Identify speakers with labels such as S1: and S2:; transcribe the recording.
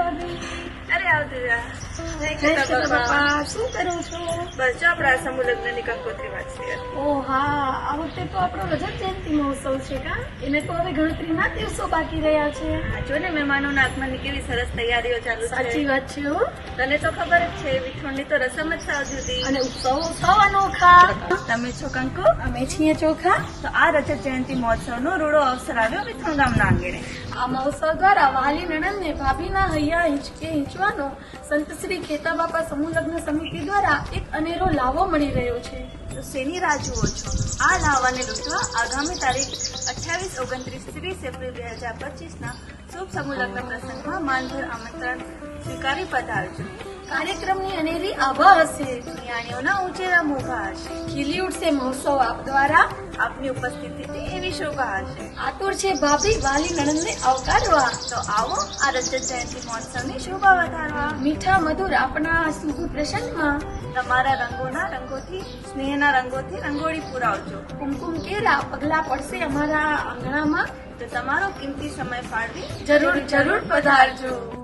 S1: અરે આવતી જા.
S2: શું કરો છો?
S1: બસ જો આપણા સમૂહ લગ્નની કંકોત્રી વાંચીએ.
S2: ઓ હા, આ વખતે તો આપણો રજત જયંતિ મહોત્સવ છે કા? એને તો હવે ગણતરીના દિવસો બાકી રહ્યા છે.
S1: આ જો ને મહેમાનોના આગમનની કેવી સરસ તૈયારીઓ ચાલુ છે.
S2: સાચી વાત છે હો.
S1: તને તો ખબર જ છે વિઠોણની તો રસમ જ સાવ જુદી.
S2: અને ઉત્સવ અનોખા.
S1: તમે છો કંકુ?
S2: અમે છીએ ચોખા.
S1: તો આ રજત જયંતિ મહોત્સવનો રૂડો અવસર આવ્યો વિઠોણ ગામના આંગણે.
S2: આ મહોત્સવ દ્વારા વાલી નણંદને ભાભીના હૈયા હિંચકે હિંચવાનો સંત શ્રી ખેતા બાપા સમૂહ લગ્ન સમિતિ દ્વારા એક અનેરો લાવો મળી રહ્યો છે.
S1: તો શેની રાહ જુઓ છો? આ લાવાને લૂંટવા આગામી તારીખ 28, 29, 30 એપ્રિલ 2025ના શુભ સમૂહ લગ્ન પ્રસંગમાં માનભર આમંત્રણ સ્વીકારી પધારજો.
S2: કાર્યક્રમની અનેરી આભા હશે.
S1: નિયાણીઓના ઉંચેરા મોભા હશે.
S2: ખીલી ઉઠશે મહોત્સવ આપ દ્વારા.
S1: આપની ઉપસ્થિતિથી એવી શોભા હશે.
S2: આતુર છે ભાભી વાલી નણંદને આવકારવા.
S1: તો આવો આ રજત જયંતિ મહોત્સવની શોભા વધારવા.
S2: મીઠા મધુર આપણા શુભ પ્રસંગમાં
S1: તમારા રંગોના રંગોથી, સ્નેહના રંગોથી રંગોળી પુરાવજો.
S2: કુમકુમ કેરા પગલા પડશે અમારા આંગણામાં.
S1: તો તમારો કિંમતી સમય ફાળવી
S2: જરૂર પધારજો.